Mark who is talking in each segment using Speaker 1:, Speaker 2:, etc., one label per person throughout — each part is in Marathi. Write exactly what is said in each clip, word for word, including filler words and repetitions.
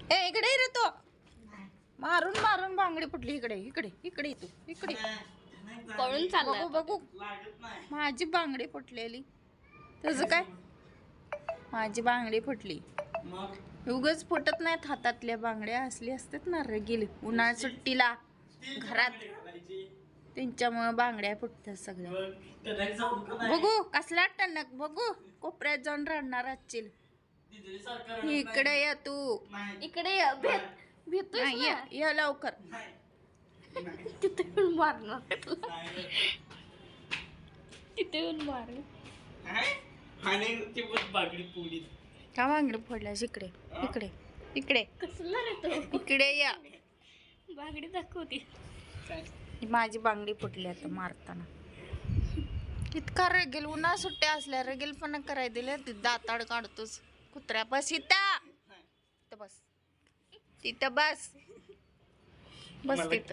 Speaker 1: ए इकडे रे तो मारून मारून बांगडी फुटली. इकडे इकडे इकडे तू इकडे
Speaker 2: पळून चालला.
Speaker 1: बघू बघू माझी बांगडी फुटलेली. तुझं काय? माझी बांगडी फुटली. उगाच फुटत नाहीत हातातल्या बांगड्या, असली असतात ना रगील उन्हाळ्या सुट्टीला घरात, त्यांच्यामुळे बांगड्या फुटतात सगळ्या. बघू कसला टणक, बघू कोपऱ्यात जाऊन रडणार असशील. इकडे या तू,
Speaker 2: इकडे ये, भेट भेटतोय
Speaker 1: नाही, ये ये लवकर.
Speaker 2: तिथे येऊन मारणार तुला. तिथे येऊन मार.
Speaker 1: का बांगडी फोडल्यास? इकडे इकडे इकडे
Speaker 2: कसला रे तो?
Speaker 1: इकडे या.
Speaker 2: बांगडी दाखवती.
Speaker 1: माझी बांगडी फुटली आता मारताना. इतका रेगेल, उन्हा सुट्ट्या असल्या रेगेलपणा करायला दिल्या. दाताड काढतोस कुत्र्या. बस इथं, इथं बस, तिथं बस बस तिथं.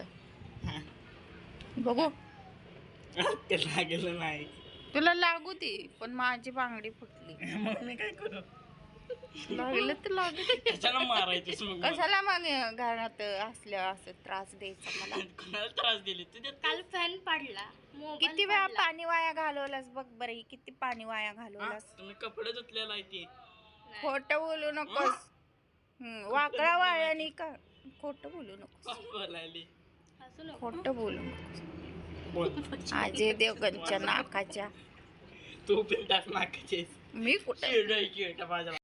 Speaker 1: बघू
Speaker 3: लागलं नाही.
Speaker 1: तुला लागू ती, पण माझी बांगडी फुटली.
Speaker 3: मग मी काय करू?
Speaker 1: लागलं तर लागू.
Speaker 3: कशाला मारायचं?
Speaker 1: कशाला मग घरात असल्या असं त्रास द्यायचा मला?
Speaker 3: कोणाला त्रास दिले तुझ्या?
Speaker 2: काल फॅन पाडला. मोबाईल
Speaker 1: किती वेळा
Speaker 2: पाडला.
Speaker 1: पाणी वाया घालवलास बघ बरं. किती पाणी वाया घालवलास.
Speaker 3: तुम्ही कपडे धुतलेला आहे ते.
Speaker 1: खोटं बोलू नकोस. हम्म, वाकडा वाळ्यानी का खोटं बोलू नकोस.
Speaker 3: बोलायली.
Speaker 2: हसू नको.
Speaker 1: खोटं बोलू नकोस.
Speaker 3: बोल.
Speaker 1: अजय देवगणच्या नाकाच्या.
Speaker 3: तू बिंदास नाकाचेस.
Speaker 1: मी कुठं
Speaker 3: चिरडायची आहे माझ्या